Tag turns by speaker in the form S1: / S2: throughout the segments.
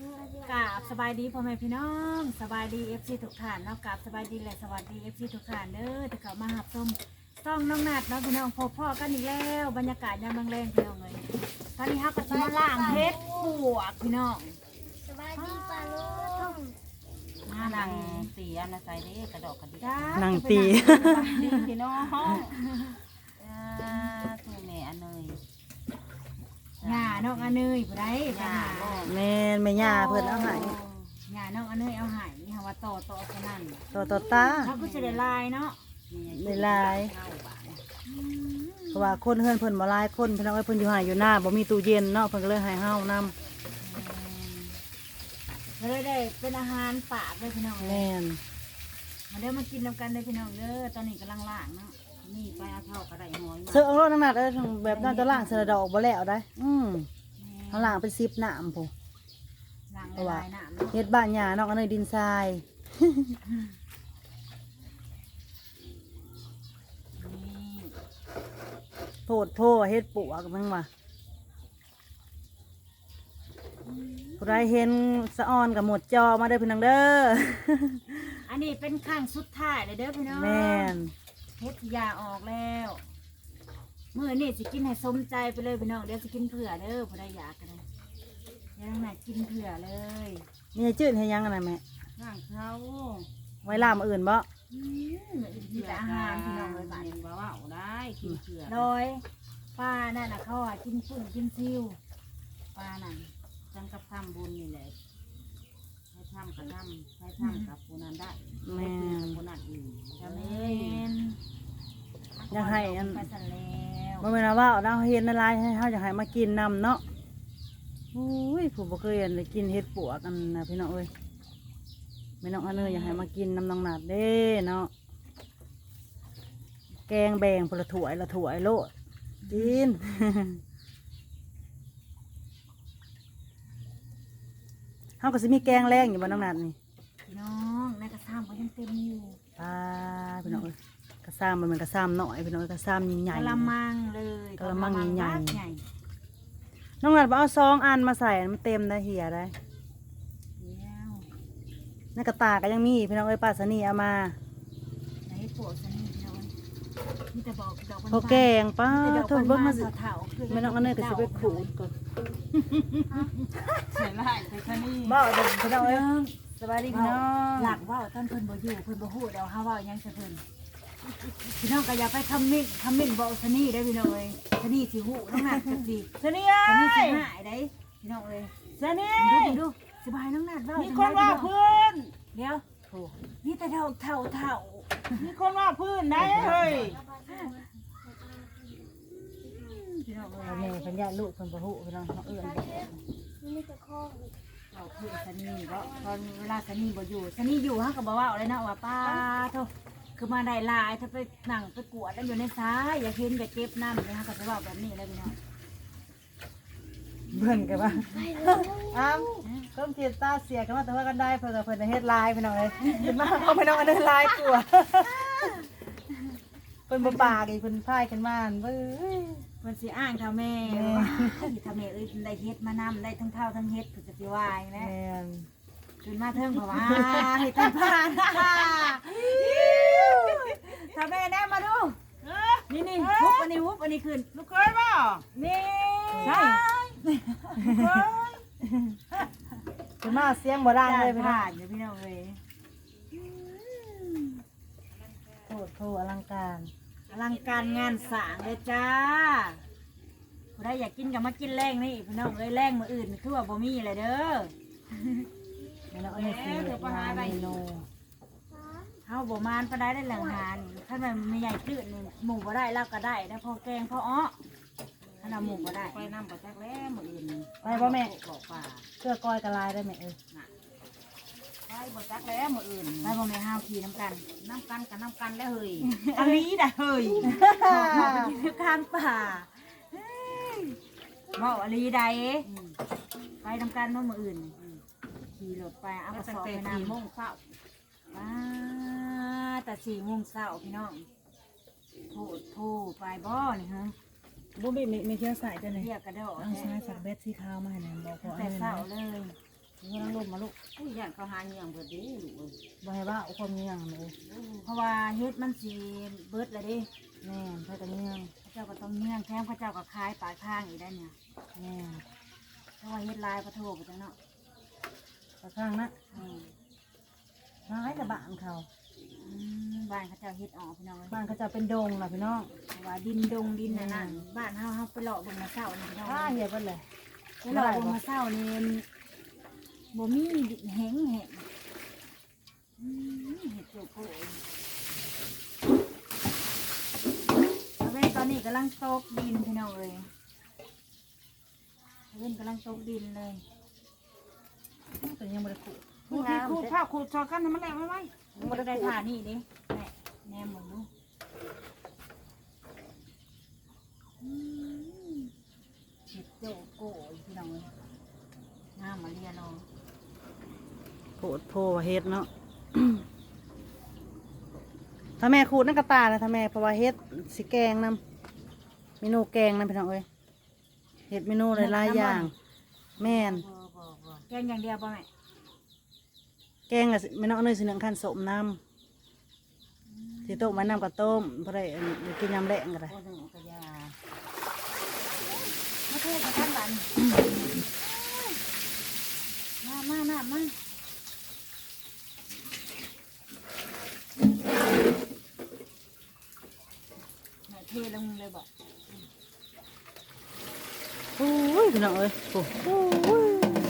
S1: กราบสบายดีพ่อแม่พี่น้องสบายดีFCทุกท่านเนาะกราบสบายดีและสวัสดีFCทุกท่านเด้อที่เขามาหับชมต้องน้องนัดเนาะพี่น้องพ่อกันอีกแล้วบรรยากาศยามแรงๆพี่น้องเลยตอนนี้ฮักก็จะมาล่างเพชรปวกพี่น้อง
S2: สบายดีป่าลุง
S1: มา
S3: นั่
S1: นั่
S3: ง
S1: ง
S3: ตีอันน่ะใส่เด้กระดอกกระดิก
S1: จ้า
S4: นั่งตี
S3: ดีพี่น้องทูแม่อันเนย
S1: หญ้าน้องอเนยผู้ใดไปหา
S4: แม่นแม่ย่าเพิ่นเอาให้
S1: หญ้าน้องอเนยเอาให้นี่ค่ะว่าต่อขนาด
S4: ต่อตา
S1: เขาก็จะได้ลายเนาะ
S4: ได้หลายเพราะว่าคนเฮือนเพิ่นบ่หลายคนเพิ่นเอาไว้เพิ่นอยู่หาอยู่หน้าบ่มีตู้เย็นเนาะเพิ่นก็เลยให้เฮานำ
S1: ก็เลยได้เป็นอาหารปากเลยพี่น้องเลย
S4: แม่น
S1: มาเด้อมากินนำกันเลยพี่น้องเด้อตอนนี้กำลังล่างเนาะนี่ไปเอาเท่ากระไดหอยมา
S4: เสื้อเอารถน้ำหนักแบบนั้นจะล้างเสื้อดอกบ่แล้วได้เฮาล้างเป็น10น้ำพุ
S1: ล่างละลายน้ำเนาะ
S4: เฮ็ดบ้านหญ้าเนาะอันนี้ดินทราย
S1: นี่
S4: โพดโพเฮ็ดปวกมึงว่าผู้ใดเห็นสะออนกับหมดจอมาเด้อพี่น้องเด้อ
S1: อันนี้เป็นข้างสุดท้ายเลยเด้อพี่น้อง
S4: แม่น
S1: เฮ็ดยาออกแล้วมื้อนี้สิกินให้สมใจไปเลยพี่น้องเดี๋ยวสิกินเผื่อเด้อผู้ใดอยากกันเลยเดี๋ยวน้องหน่อยกินเผื่อเลย
S4: มีไอ้จืดให้ยังอันนั้นแม่
S3: ข้างเขา
S4: ไว้ล่ามออื่นบ่
S1: มีแต่อาหารพี่น้องเลยบ้าน
S3: เห็นว่าได้กินเผือก
S1: โดยป้านั่นน่ะเขากินปุ่นกินซิวป้านั่น
S3: จังกับทำบุญนี่แหละให้ทำกับทำให้ทำกับผู้นั้นได้ให้กินกับผู้นั้นอื่นจะเลย
S4: อยากให้อัน
S1: ไปสั่นแล้ว
S4: บ่แม่นว่าเราเฮ็ดในลายให้เฮาอยากให้มากินนํเนาะอุ้ยผู้บ่เคยได้กินเฮ็ดปวกกันนะพี่น้องเอ้ยแม่น้องอันเนยอยากให้มากินน้ำน้องหนาดเด้เนาะแกงแบ่งพนละถ้วยละถ้วยโลดกิน เฮาก็สิมีแกงแรงอยู่บ่น้องหนาดนี่
S1: พี่น้องในกระซ้ำก็ยังเต็มอยู่
S4: พี่น้องเอ้ยกระซ้ำมันเป็นกระซ้ำน้อยพี่น้องเอ้ยกระซ้ำใหญ่
S1: กะละมังเลย
S4: กะละมังใหญ่
S1: ใหญ่
S4: ๆน้องหนาดบ่เอา2 อันมาใส่มันเต็มได้เหียได้
S1: เดียว
S4: ในกระตาก็ยังมีพี่น้องเอ้ยป้าสนีเอามา
S1: ไหนปวดซะนี่พี่น้องมีแต่บอกดอก
S4: พอแกงป้า
S1: เถ
S4: เบิ่งมาสิ
S1: เถาๆคือ
S4: แม่น้องอันเนยก็สิไปขูดก่อน
S3: ใส่ไล่ใส่ขนี่
S4: บ่เดี๋ยวพี่น้องเอ้ยสบายดีพี่น้อง
S1: หลักว่าท่านเพิ่นบ่อยู่เพิ่นบ่ฮู้เดี๋ยวเฮาเว้าหยังซะเพิ่นพี่น้องก็อย่าไปคอมเมนต์บอกซะนี่ได้อพี่น้องเอ้ยซะนี่สิฮู้น้องนัดจักสิ
S4: สนี
S1: ซะนี่สิ
S4: เอ้ย
S1: หายได้พี่น้องเอ้ย
S4: สนี
S1: ดูสบายน้องนัดเว้า
S4: มี
S1: จัง
S4: คนว่า
S1: ได้
S4: พื้น
S1: เดี๋ยวนี่แต่เท่า
S4: มีคนว่าพื้นได้เฮ้ย
S1: พี่น้องเอ้ย
S4: แม่เพิ่นญาติลูกเพิ่นบ่ฮู้พี่น้องเขาเอื้อนบอก
S2: มีแต่ข้อง
S1: เราคือสนีก็ตอนเวลาสนีบ่อยู่สนีอยู่ฮะก็บอกว่าอะไรนะว่าป้าโทคือมาได้หลายถ้าไปนั่งไปกวดแล้วอยู่ในซ้ายอย่าเห็นอย่าเก็บน้ำเลยฮะก็จะบอกแบบนี้เลยพี่น้อง
S4: เพิ่นก็ว่าอ้าวเพิ่มเทียนตาเสียกันมาแต่ว่ากันได้เพิ่นก็เพิ่นได้เฮ็ดลายพี่น้องเอ้ยเห็นมาเขาพี่น้องอันเดินลายตัวเพิ่นบ่ปากอีกเพิ่นพายกันมาเบ้ย
S1: มันสิอ้างเท่าแม่ทำแม่เอ้ยได้เฮ็ดมานำได้ทั้งเท่าทั้งเฮ็ดคือจะสิวายนะ
S4: แม่น
S1: ขึ้นมาเทิงเพราะว่าเฮ็ดทั้งผ่านทำแม่แน่มาดูนี่ฮุบอันนี้ขึ้น
S3: ลูกเคยบ่
S1: นี่
S4: ใช่เพิ่นมาเสียงบ่ดังเลยพี่น้อง
S1: ผ่านอยู่พี่น้องเอ้ย
S4: โทษอลังการ
S1: อลังการงานสร้างเลยจ้าผู้ใดอยากกินก็มากินแรงนี่พี่น้องเอ้ยแรงมื้ออื่นคือว่าบ่มีเลยเด้อ
S4: แม่น้องอันนี้สิงานเมนู
S1: เฮาบ่มานปานใดได้แหล่งหานถ้ามันไม่ใหญ่ตื้นนี่หมูบ่ได้เราก็ได้นะพอแกงพออ้อถ้าเราหมูบ่ได้
S3: ไปน้ำกับแจ๊กแล้วมืออื่น
S4: ไปบ่แม่
S3: บอกป่า
S4: เสื้อกอยกระลายได้ไหมเอ้ย
S3: ไปบอกแจ๊กแล้วมืออื่น
S1: ไปบ่แม่ห้าวขี่น้ำกัน
S3: น้ำกันกับน้ำกันแล้วเฮ้ย
S1: อันนี้ได้เฮ้ยอยู่กลางป่าเฮ้ยเว้าอลีใดไปน้ำกันเมื่อมื้ออื่นขี่รถไปเอาก
S3: ตั้
S1: ระ
S3: ง
S1: สอบ
S3: แต่
S1: ไป
S3: 4
S1: น้ำ
S3: โมงเช้า
S1: ป้าแต่4 โมงเช้าพี่น้องโทไปบ่นี่ฮะ
S4: บุ้มบี้มีเที่ยวสายจังเลย
S1: เรียกกระโดด
S4: เอาใช้สักเบ็ดสีขาวมาให้หน่อยบอกพอ
S1: แต่
S4: อันนี้
S1: เช้า
S4: นะ
S1: เลย
S4: นี่นั่งลมมาลูก
S3: ผู้ย่านเขาหาเงี้ยงเบิดเด้ลูกเอ้ย
S4: บ่ให้ว่าเอาความเงี้ยงเลย
S1: เพราะว่าเฮ็ดมันสิเบิดเลยเดิ
S4: แม่นเพื่อกันเงี้ยง
S1: พระเจ้าก็ต้องเงี้ยงแถมพระเจ้าก็คายปลายข้างอีกได้เนี่ย
S4: แม่น
S1: เพราะว่าเฮ็ดลายพระโทไปจังเนาะ
S4: กระข้างนะ
S1: อืม
S4: ร้ายกับบ้านเขา
S1: บ้านเขาเจ้าเฮ็ดออกพี่น้องเลย
S4: บ้านเขาจะเป็นดงนะพี่น้อง
S1: เพราะว่าดินดงดินน่ะนั่นบ้านเฮาไปเลาะเบนมาเศร้านี่พี่น้อง
S4: ถ้าเหี้ยเพิ่นเลย
S1: ไปเลาะเบนมาเศร้านี่บ่มีแห้งแห้งเห็ดโจโก้เว้นตอนนี้กำลังตกดินพี่น้องเลยเว้นกำลังตกดินเลย
S4: แต่ยังบ่ได้ขุด
S3: คูดผ้าคูดชอกันให้มันแรงไว้
S1: มันได้ท่านี่ดิแม่แนมหมดดูเห็ดโจโก้พี่น้องเลยงามมาเรียนเอา
S4: โพดโพว่าเฮ็ดเนาะ ถ้าแม่ขูดนั่นกระตานะถ้าแม่เพราะว่าเฮ็ดสิแกงนำเมนูแกงนำพี่น้องเอ้ยเฮ็ดเมนูหลายๆอย่าง แม่น
S1: แกงอย่างเดียวป่ะแม่
S4: แกงอะแม่น้องเนยสิหนึ่งขั้นสมน้ำสิต้มไว้น้ำกับต้มเพราะได้กินยำแรงกันเลย
S3: โอ้หนึ่งกระยา
S1: ไม่เทศกับท่านบันมาไหนเทลงเลยบอก
S4: โอ้ยพี่น้องเอ้ยโอ้ย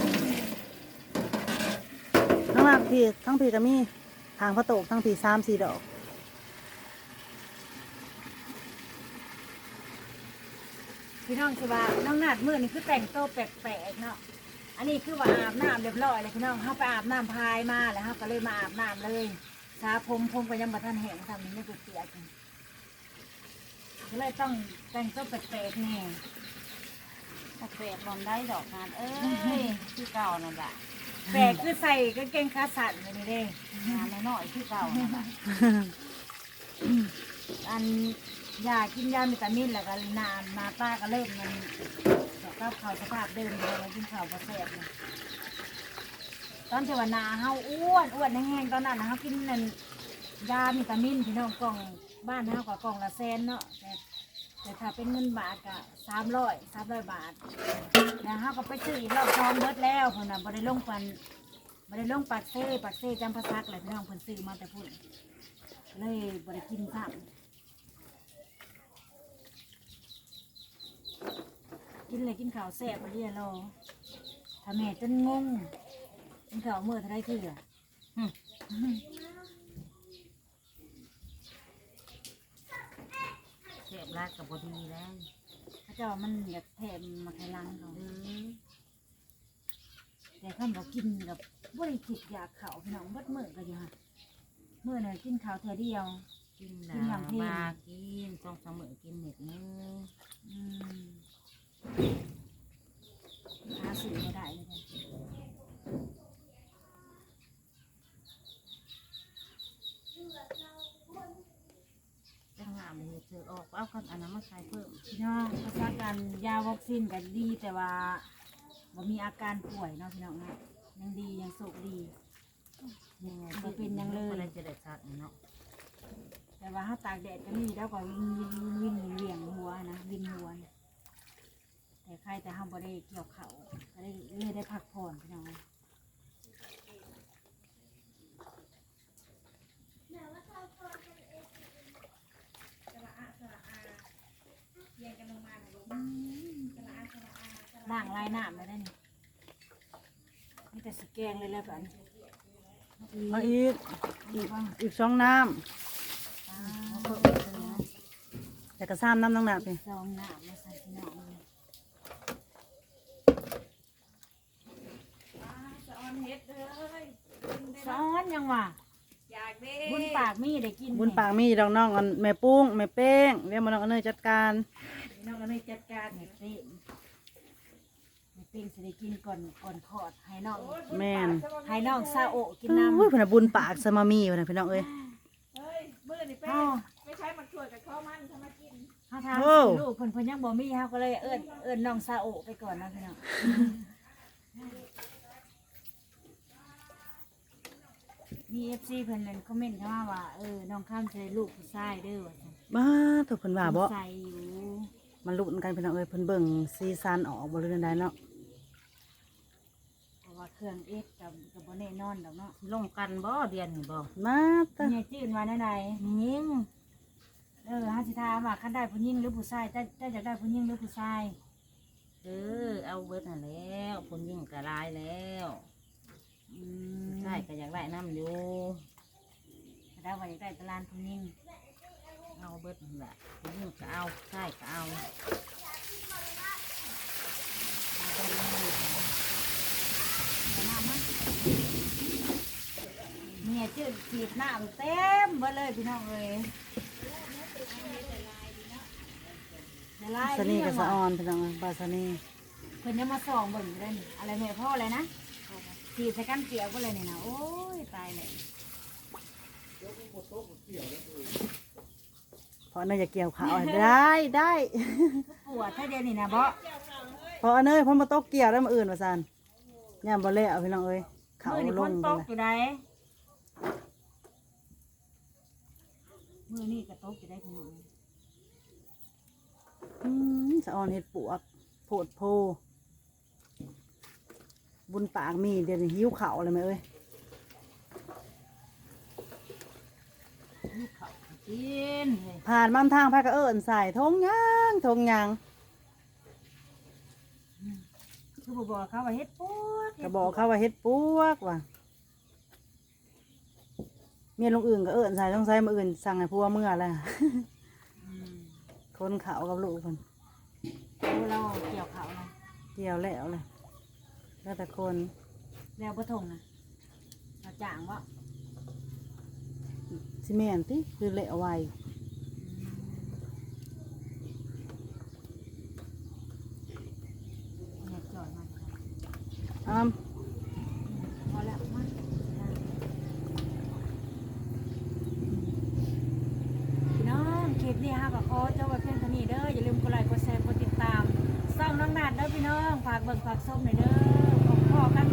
S4: ทั้งหลักพี่ทั้งพี่ก็มีทางพระโตกทั้งพี่3-4 ดอก
S1: พี่น้องสิว่าน้องนาดมือนี่คือแต่งตัวแปลกๆเนาะอันนี้คือว่าอาบน้ำเรียบร้อยเลยพี่น้องเขาไปอาบน้ำพายมาแล้วเขาก็เลยมาอาบน้ำเลยสาผมก็ยังบ่ทันแห้งทำนี่ไม่เปียกๆก็เลยต้องแต่งตัวแปลกๆแน่
S3: แปลกบอมได้ดอกงานเอ้ยที่เก่านั่นแหละ
S1: แปลกคือใส่กางเกงขาสั้นแบบนี้เด้
S3: งานน้อยๆที่เก่านั่นแหละ
S1: อันยากินยาวิตามินแล้วก็หน้าตาก็เริ่มมันก็เข้าสภาพเดิมเลยกินข้าวบ่แซ่บเลยตอนที่ว่าหนาเฮาอ้วนแห้งๆตอนนั้นนะเฮากินนั่นยาวิตามินพี่น้องกล่องบ้านเฮาก็กล่องละ100,000เนาะแต่ถ้าเป็นเงินบาทก็300บาทแล้วเฮาก็ไปซื้ออีกรอบ2เบิดแล้วเพิ่นน่ะบ่ได้ลงปากเซ่จำภาษาอะไรพี่น้องเพิ่นซื้อมาแต่พุ่นเลยบ่ได้กินซ้ำกินเลยกินข้าวแซ่บไปเรื่อยรอถ้าแม่จนงงกินข้าวเมื่อเท่าไรคืออ่ะ
S3: เสียบรักกับบดีแล้ว
S1: พระเจ้ามันอยากแถมมาไทยลังเขาแต่ข้าบอกกินกับบ่ได้คิดอยากข้าวพี่น้องเบิดมื้อก็อยู่ฮะมื้อน่ะกินข้าวเท่าเดียว
S3: กินแล้วมากิน2-3 มื้อกินเม็ดนึง
S1: อืมหาซื้อบ่ได้เลยจ้ะ
S3: จังหวะมันเจอออกเอากันอันนั้นมาใส่เพิ่ม
S1: พี่น้องภาษาการยาวัคซีนก็ดีแต่ว่าบ่มีอาการป่วยเนาะพี่น้องนะยังดียังสุขดีบ่เป็นหยังเลย
S3: อะไรจะได้ชัดเนาะ
S1: แต่ว่าถ้าตากแดดก็มีแล้วก็วิ่งเหวี่ยงหัวนะวินหัวนะแต่ใครแต่ห้ามบ่ได้เกี่ยวเขาก็ได้เลยได้พักผ่อนพี่น้องล่างลายน้ำเลยได้นี่มีแต่สแกงเลยแล้วกัน
S4: มาอีก2 น้ำแต่ก็3 น้ำน้องหนักพี่
S1: ซองน้ำมาใส่พี่น้องเลยซ้อนยังวะบุญปากมีได้กิน
S4: บุญปากมีดอกน้องอันแม่ปุ้งแม่เป้งเรียกมาน้องอันเนยจัดการ
S1: น้องก็เลยจัดการเห็ดเป้งเห็ดเป้งสิได้กินก่อนคลอดให้น้อง
S4: แม่น
S1: ให้น้องซาโอะกินน้ำ
S4: อุ้ยเพนนะบุญปากสมามีเพนนะพี่น้องเอ้ย
S1: เขา
S2: ไม่ใช่มันช่วยกับข้าวมันทำมากิน
S1: เขาทำ
S4: โอ้
S1: ลูกเพิ่นยังบ่มีเขาก็เลยเอิ้นน้องซาโอะไปก่อนนะพี่น้องมี FC เพิ่นนั่นคอมเมนต์เข้ามาว่าน้องข้ามใช้ลูกผู้ชายเด้อว่าซั่น
S4: บ้าถูกเพิ่นว่าบ่
S1: ใส่อยู่
S4: มันลุ้นกันพี่น้องเอ้ยเพิ่นเบิ่งซีซั่นออกบ่รู้ได้เนาะ
S1: เพราะว่าเครื่องเอ็กกับบ่แน่นอนดอกเนาะ
S3: ลงกันบ่เดือนนี่บ่
S4: มาตะ
S1: เนี่ยจื้นว่าแนวใด
S3: ยิง
S1: เฮาสิถามว่าคันได้ผู้หญิงหรือผู้ชายจะอยากได้ผู้หญิงหรือผู้ชาย
S3: เอาเบิดนั่นแล้วคนยิงก็ลายแล้ว
S1: อืม
S3: ใช่ก็อยากได้น้ำอยู่
S1: ได้ว่าอยากได้ตะลานผู้หญิง
S3: เอาเบิดนั่นแหละคนยิงก็เอาใช่ก็เอา
S1: เนี่ยจื้นฉีดน้ำเต็มเบิดเลยพี่น้องเอ้ยละลาย
S4: สนีกับ
S1: เรื่
S4: สะ
S1: อง
S4: อ
S1: ว่ะ
S4: อนพี่น้องเอ้ยปลาสนี
S1: เพิ่นจะมาส่องเบิ่งอยู่เลยนี่อะไรแม่พ่ออะไรนะฉีดใส่กันเกี่ยวก็เลยนี่นะโอ้ยตายเลย
S4: เพราะเนยจะเกี่ยวขาวได้ได้
S1: ปวดถ้าเดียวนี่นะเบาะ
S4: เพราะเนยเพ่นมาตกเกี่ยวแล้วมาอื่นว่าซั่นย่ามบ่แล้วพี่น้องเอ้ยเขา
S1: มือนี่
S4: ล
S1: พ้
S4: ง
S1: น
S4: ไป
S1: ตก
S4: เลย
S1: อยู่ได้มือนี่ก็ตกอยู่ได้พี่น้อง
S4: สะออนเฮ็ดปวกโพดโพบุญปากมีเดี๋ยวนี้หิวข้าวเลยไหมเอ้ย
S1: ลูกเขากินเลย
S4: ผ่านม่านทางพาก็เอิ้นใส่ทงยางทงยาง
S1: คือบอกเขาว่าเฮ็ดปวด
S4: ก็บอกเขาว่าเฮ็ดปวกว่ะเมียลุงอื่นก็เอิ้นใส่ต้องใส่มาอื่นสั่งให้ผัวเมื่อแล้ว คนเขากับลูกคน
S1: เราเกี่ยวเขานะ
S4: เกี่ยวแล้วเลยแล้วแต่คน
S1: แล้วบ่ทงนะเราจ่างว่า
S4: ซีเมนติคือเละไว
S1: เนี่ยจอดมา
S4: อ้าม
S1: พอแล้วมาพี่น้องคลิปนี้ฮะก็ขอเจ้าไว้เพียงเท่านี้เด้ออย่าลืมกดไลค์กดแชร์กดติดตามซ่องน้องนัดเด้อพี่น้องฝากเบิ่งฝากส้มหน่อยเด้อขอกัน